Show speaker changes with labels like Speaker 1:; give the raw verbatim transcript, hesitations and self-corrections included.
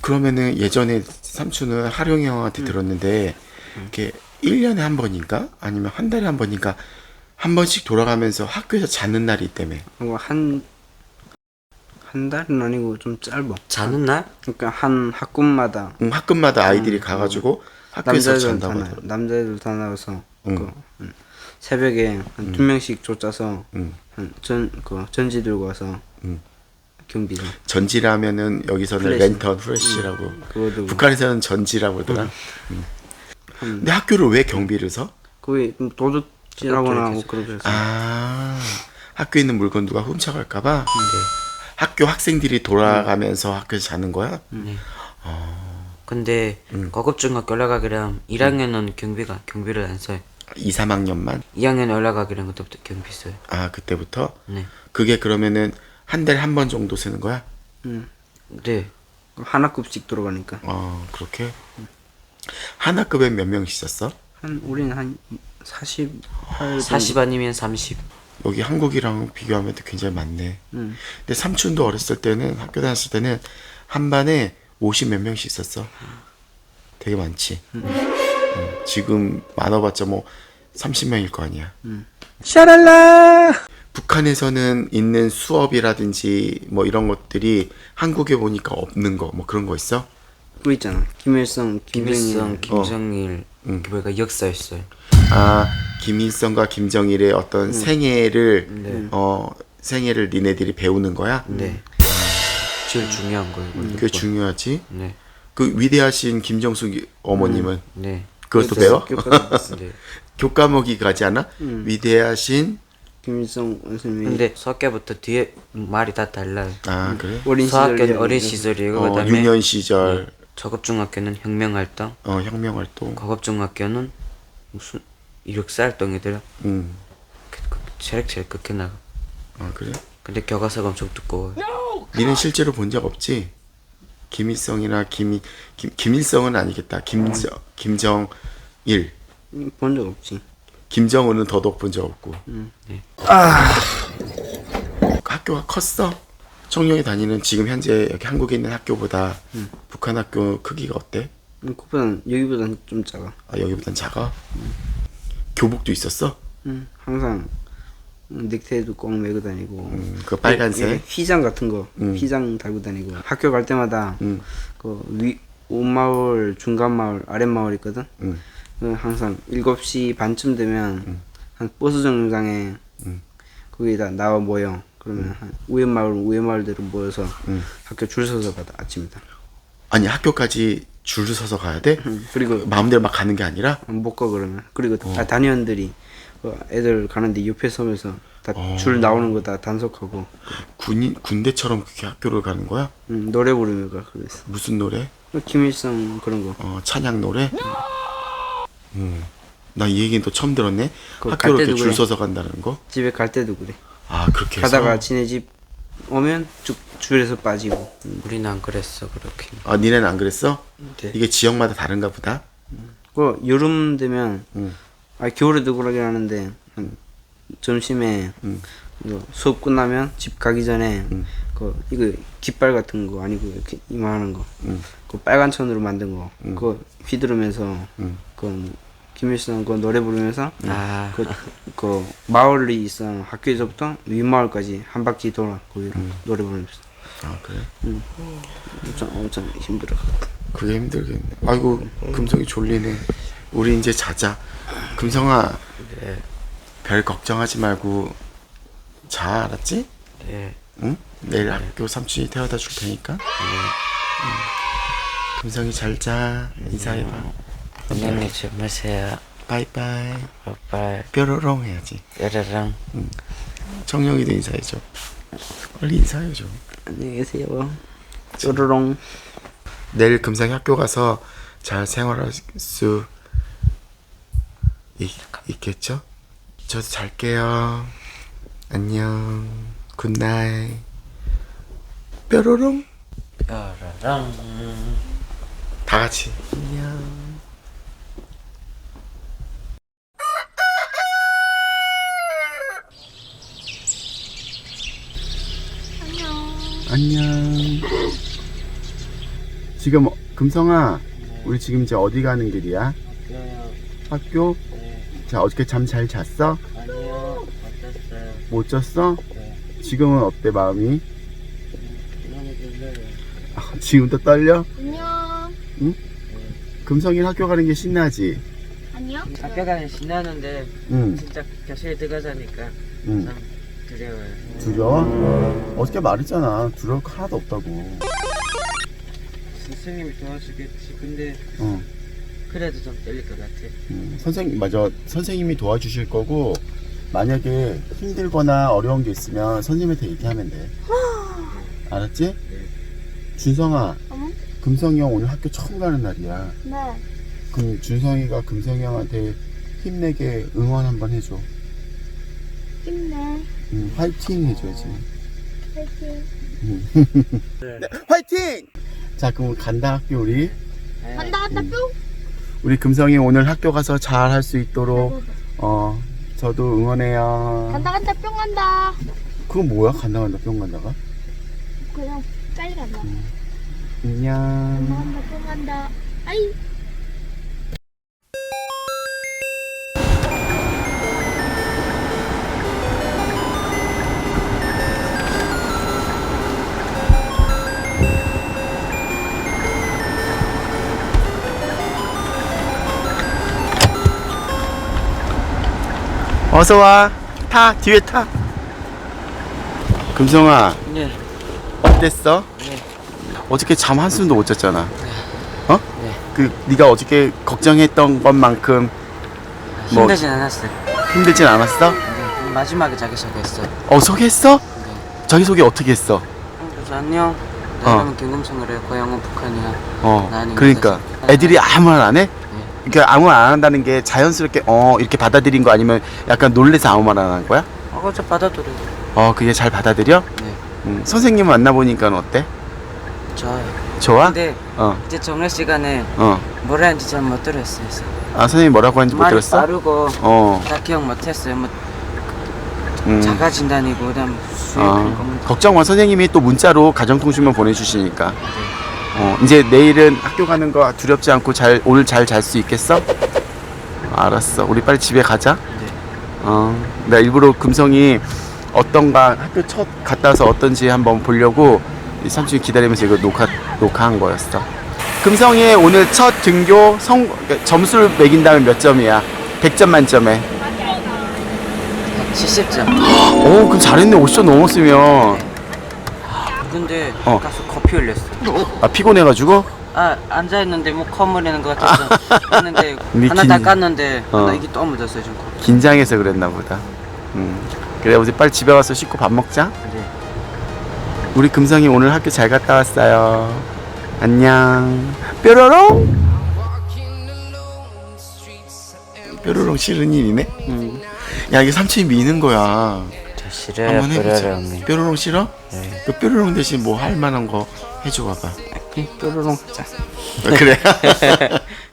Speaker 1: 그러면은 예전에 삼촌은 하룡이 형한테
Speaker 2: 음.
Speaker 1: 들었는데 이렇게 일 년에 한 번인가? 아니면 한 달에 한 번인가? 한 번씩 돌아가면서 학교에서 자는 날이 있다며.
Speaker 2: 한, 한 달은 아니고 좀 짧아.
Speaker 3: 자는 날?
Speaker 2: 그러니까 한 학군마다
Speaker 1: 응, 학급마다 아이들이
Speaker 2: 음,
Speaker 1: 가가지고 학교에서
Speaker 2: 남자애들 다
Speaker 1: 잔다고
Speaker 2: 나,
Speaker 1: 하더라고.
Speaker 2: 남자애들 다 나와서
Speaker 1: 응.
Speaker 2: 그, 음, 새벽에 한 두 명씩 쫓아서
Speaker 1: 응.
Speaker 2: 한 전, 그 전지 들고 와서
Speaker 1: 응.
Speaker 2: 경비를.
Speaker 1: 전지라면은 여기서는
Speaker 2: 플래시.
Speaker 1: 랜턴 후레쉬라고.
Speaker 2: 그거 들고.
Speaker 1: 북한에서는 전지라고 그러더라. 응.
Speaker 2: 한,
Speaker 1: 근데 학교를 왜 경비를 서?
Speaker 2: 거기 도둑질하거나 하고 그러고 해서.
Speaker 1: 아, 학교에 있는 물건 누가 훔쳐갈까봐?
Speaker 3: 네.
Speaker 1: 학교 학생들이 돌아가면서 학교에서 자는 거야?
Speaker 3: 네. 근데
Speaker 1: 음.
Speaker 3: 고급중학교 올라가기랑 일 학년은 경비가 경비를 안 써요.
Speaker 1: 이, 삼 학년만?
Speaker 3: 이 학년 올라가기랑 그때부터 경비 써요.
Speaker 1: 아, 그때부터?
Speaker 3: 네.
Speaker 1: 그게 그러면은 한 달에 한 번 정도 쓰는 거야?
Speaker 2: 음.
Speaker 3: 네.
Speaker 2: 한 학급씩 들어가니까.
Speaker 1: 어, 그렇게? 한 학급에 몇 명 있었어?
Speaker 2: 한 우리는 한 사십팔
Speaker 3: 사십 아니면 삼십.
Speaker 1: 여기 한국이랑 비교하면 또 굉장히 많네.
Speaker 2: 음.
Speaker 1: 근데 삼촌도 어렸을 때는, 학교 다녔을 때는 한 반에 오십 몇 명씩 있었어. 되게 많지. 음, 지금 많아봤자 뭐 삼십 명일 거 아니야. 샤랄라! 북한에서는 있는 수업이라든지 뭐 이런 것들이 한국에 보니까 없는 거, 뭐 그런 거 있어?
Speaker 2: 그거 있잖아. 김일성,
Speaker 3: 김일성,
Speaker 2: 김정일.
Speaker 3: 김정일
Speaker 1: 음.
Speaker 3: 그거가 역사였어요.
Speaker 1: 아, 김일성과 김정일의 어떤 생애를,
Speaker 3: 네.
Speaker 1: 어, 생애를 니네들이 배우는 거야?
Speaker 3: 네. 제일 중요한 거예요. 그거.
Speaker 1: 그게 중요하지.
Speaker 3: 네.
Speaker 1: 그 위대하신 김정숙 어머님은
Speaker 3: 네.
Speaker 1: 그것도 배워?
Speaker 2: 교과서
Speaker 3: 네.
Speaker 1: 교과목이 가지 않아? 위대하신
Speaker 2: 김일성 선생님이
Speaker 3: 근데 수학교부터 뒤에 말이 다 달라요.
Speaker 1: 아 그래?
Speaker 2: 어린
Speaker 3: 수학교는
Speaker 2: 시절
Speaker 3: 어린 시절이고
Speaker 1: 어,
Speaker 3: 그다음에
Speaker 1: 유년 시절
Speaker 3: 저급중학교는 혁명활동,
Speaker 1: 어 혁명활동.
Speaker 3: 고급중학교는 무슨 이력사 활동이더라.
Speaker 1: 음.
Speaker 3: 그, 그, 체력체력 극해 나가.
Speaker 1: 아 그래?
Speaker 3: 근데 교과서가 엄청 두꺼워요.
Speaker 1: 니는 실제로 본 적 없지? 김일성이나 김이 김 김일성은 아니겠다. 김정 김정일,
Speaker 2: 본 적 없지.
Speaker 1: 김정은은 더더욱 본 적 없고.
Speaker 3: 네.
Speaker 1: 학교가 컸어? 청룡이 다니는 지금 현재 여기 한국에 있는 학교보다 북한 학교 크기가 어때?
Speaker 2: 음, 그보다는 여기보다는 좀 작아.
Speaker 1: 아 여기보단 작아? 교복도 있었어?
Speaker 2: 음, 항상 음, 넥타이도 꼭 메고 다니고.
Speaker 1: 음, 그 빨간색?
Speaker 2: 예, 휘장 같은 거,
Speaker 1: 음.
Speaker 2: 휘장 달고 다니고. 학교 갈 때마다
Speaker 1: 음.
Speaker 2: 그 위, 온마을, 중간마을, 아랫마을 있거든.
Speaker 1: 음.
Speaker 2: 그 항상 일곱 시 반쯤 되면 한 버스 정류장에
Speaker 1: 음.
Speaker 2: 거기다 나와 모여. 그러면 한 우회마을, 우회마을대로 모여서
Speaker 1: 음.
Speaker 2: 학교 줄 서서 받아 아침이다.
Speaker 1: 아니 학교까지 줄을 서서 가야 돼?
Speaker 2: 음, 그리고
Speaker 1: 마음대로 막 가는 게 아니라?
Speaker 2: 못 가 그러면. 그리고
Speaker 1: 어.
Speaker 2: 다 단위원들이 그 애들 가는데 옆에 서면서 다 줄
Speaker 1: 어.
Speaker 2: 나오는 거 다 단속하고
Speaker 1: 군인 군대처럼 그렇게 학교를 가는 거야?
Speaker 2: 음, 노래 부르며 가 그랬어.
Speaker 1: 무슨 노래?
Speaker 2: 김일성 그런 거.
Speaker 1: 어 찬양 노래? 음. 나 이 얘기는 또 처음 들었네.
Speaker 2: 그거
Speaker 1: 학교로
Speaker 2: 갈
Speaker 1: 이렇게
Speaker 2: 때도
Speaker 1: 줄
Speaker 2: 그래.
Speaker 1: 서서 간다는 거?
Speaker 2: 집에 갈 때도 그래.
Speaker 1: 아 그렇게 해서?
Speaker 2: 가다가 지네 집 오면 쭉 줄에서 빠지고.
Speaker 3: 우리는 안 그랬어 그렇게.
Speaker 1: 아 니네는 안 그랬어?
Speaker 3: 네.
Speaker 1: 이게 지역마다 다른가 보다?
Speaker 2: 그 여름 되면
Speaker 1: 음.
Speaker 2: 아 겨울에도 그러긴 하는데 한 점심에
Speaker 1: 음.
Speaker 2: 이거 수업 끝나면 집 가기 전에
Speaker 1: 음.
Speaker 2: 그 이거 깃발 같은 거 아니고 이렇게 이만한 거,
Speaker 1: 음.
Speaker 2: 그 빨간 천으로 만든 거,
Speaker 1: 음.
Speaker 2: 그거 휘두르면서
Speaker 1: 음.
Speaker 2: 그 김일성 그 노래 부르면서
Speaker 3: 아.
Speaker 2: 그, 그 마을이 있어 학교에서부터 윗마을까지 한 바퀴 돌아 거기로 노래 부르면서
Speaker 1: 아 그래?
Speaker 2: 엄청 엄청 힘들어.
Speaker 1: 그게 힘들겠네. 아이고 금성이 졸리네. 우리 이제 자자. 금성아
Speaker 3: 네.
Speaker 1: 별 걱정하지 말고 자 알았지?
Speaker 3: 네.
Speaker 1: 응? 내일 학교 삼촌이 태워다 줄 테니까. 응. 금성이 잘 자. 인사해봐.
Speaker 3: 안녕히 주무세요.
Speaker 1: 바이바이.
Speaker 3: 빠빠이.
Speaker 1: 뾰로롱 해야지.
Speaker 3: 야라랑.
Speaker 1: 청룡이도 인사해줘. 빨리 인사해줘.
Speaker 2: 안녕히 계세요. 쪼르롱.
Speaker 1: 내일 금성이 학교 가서 잘 생활할 수 있, 있겠죠? 저도 잘게요. 안녕. 굿나잇. 뾰로롱.
Speaker 3: 야라랑.
Speaker 1: 다 같이. 안녕. 안녕. 지금 금성아, 우리 지금 이제 어디 가는 길이야?
Speaker 3: 학교요.
Speaker 1: 학교?
Speaker 3: 네.
Speaker 1: 자, 어저께 잠 잘 잤어?
Speaker 3: 아니요. 어땠어요?
Speaker 1: 못 잤어?
Speaker 3: 네.
Speaker 1: 지금은 어때 마음이?
Speaker 3: 많이 들려요.
Speaker 1: 아, 지금 또 떨려?
Speaker 4: 안녕.
Speaker 1: 금성이 학교 가는 게 신나지?
Speaker 4: 아니요.
Speaker 3: 학교 가면 신나는데
Speaker 1: 응,
Speaker 3: 진짜 교실에 들어가자니까
Speaker 1: 응.
Speaker 3: 참 두려워요.
Speaker 1: 두려워? 어저께 말했잖아. 두려울 거 하나도 없다고.
Speaker 3: 선생님이 도와주겠지. 근데
Speaker 1: 어.
Speaker 3: 그래도 좀 떨릴 것 같아.
Speaker 1: 음, 선생님, 맞아. 선생님이 도와주실 거고, 만약에 힘들거나 어려운 게 있으면 선생님한테 얘기하면 돼. 알았지?
Speaker 3: 네.
Speaker 1: 준성아,
Speaker 4: 응?
Speaker 1: 금성이 형 오늘 학교 처음 가는 날이야.
Speaker 4: 네.
Speaker 1: 그럼 준성이가 금성이 형한테 힘내게 응원 한번 해줘.
Speaker 4: 힘내.
Speaker 1: 음, 화이팅 해줘야지.
Speaker 4: 파이팅.
Speaker 1: 네, 화이팅! 자, 그럼 간다 학교 우리.
Speaker 4: 간다 간다 뿅.
Speaker 1: 우리 금성이 오늘 학교 가서 잘 할 수 있도록 어 저도 응원해요.
Speaker 4: 간다 간다 뿅 간다.
Speaker 1: 그건 뭐야? 간다 간다 뿅 간다가?
Speaker 4: 그냥 빨리 간다. 간다
Speaker 1: 안녕.
Speaker 4: 간다 뿅 간다. 아이.
Speaker 1: 어서 와. 타 뒤에 타. 금성아
Speaker 3: 네.
Speaker 1: 어땠어?
Speaker 3: 네.
Speaker 1: 어저께 잠 한숨도 못 잤잖아. 어?
Speaker 3: 네.
Speaker 1: 그 네가 어저께 걱정했던 것만큼 뭐-
Speaker 3: 힘들진 않았어요.
Speaker 1: 힘들진 않았어?
Speaker 3: 네. 마지막에 자기 소개했어요.
Speaker 1: 어 소개했어?
Speaker 3: 네.
Speaker 1: 자기 소개 어떻게 했어?
Speaker 3: 어, 그래서 안녕.
Speaker 1: 어.
Speaker 3: 나 이름은 김금성이래. 고향은 북한이야.
Speaker 1: 어.
Speaker 3: 나는
Speaker 1: 그러니까
Speaker 3: 그래서-
Speaker 1: 애들이 아무 말 안 해?
Speaker 3: 네.
Speaker 1: 그러니까 아무 말 안 한다는 게 자연스럽게 어 이렇게 받아들인 거 아니면 약간 놀래서 아무 말 안 한 거야?
Speaker 3: 어, 저 받아들여.
Speaker 1: 어 그게 잘 받아들여?
Speaker 3: 네.
Speaker 1: 음, 선생님 만나보니까 어때?
Speaker 3: 좋아요.
Speaker 1: 좋아?
Speaker 3: 근데
Speaker 1: 어
Speaker 3: 이제 정례 시간에
Speaker 1: 어.
Speaker 3: 뭐라 했는지 잘 못 들었어요. 그래서
Speaker 1: 아 선생님 뭐라고 하는지 못
Speaker 3: 말이
Speaker 1: 들었어?
Speaker 3: 빠르고
Speaker 1: 어.
Speaker 3: 다 기억 못했어요. 뭐
Speaker 1: 음.
Speaker 3: 자가 진단이고 그다음 수행
Speaker 1: 어.
Speaker 3: 검은
Speaker 1: 걱정 마. 선생님이 또 문자로 가정통신만 보내주시니까. 어 이제 내일은 학교 가는 거 두렵지 않고 잘 오늘 잘 잘 수 있겠어? 알았어. 우리 빨리 집에 가자.
Speaker 3: 네.
Speaker 1: 어. 나 일부러 금성이 어떤가 학교 첫 갔다 와서 어떤지 한번 보려고 이 삼촌이 기다리면서 이거 녹화 녹화한 거였어. 금성이의 오늘 첫 등교 성 그러니까 점수를 매긴다면 몇 점이야? 백 점 만점에.
Speaker 3: 칠십 점.
Speaker 1: 오 그럼 잘했네. 오십 점 넘었으면.
Speaker 3: 근데
Speaker 1: 어.
Speaker 3: 가서 커피 흘렸어.
Speaker 1: 아 피곤해가지고?
Speaker 3: 아 앉아 있는데 뭐 커물리는 것 같아서 했는데
Speaker 1: 미친-
Speaker 3: 하나 닦았는데
Speaker 1: 어.
Speaker 3: 하나 이게 또 묻었어요 좀. 커피.
Speaker 1: 긴장해서 그랬나 보다. 음. 그래 우리 빨리 집에 가서 씻고 밥 먹자.
Speaker 3: 네.
Speaker 1: 우리 금성이 오늘 학교 잘 갔다 왔어요. 안녕. 뾰로롱. 뾰로롱 싫은 일이네.
Speaker 3: 음.
Speaker 1: 야 이게 삼촌이 미는 거야.
Speaker 3: 저 싫어요.
Speaker 1: 한번 해보자.
Speaker 3: 뾰로롱이.
Speaker 1: 뾰로롱 싫어?
Speaker 3: 네.
Speaker 1: 그 뾰로롱 대신 뭐 할 만한 거 해줘 봐봐.
Speaker 3: 뾰로롱 하자.
Speaker 1: 그래.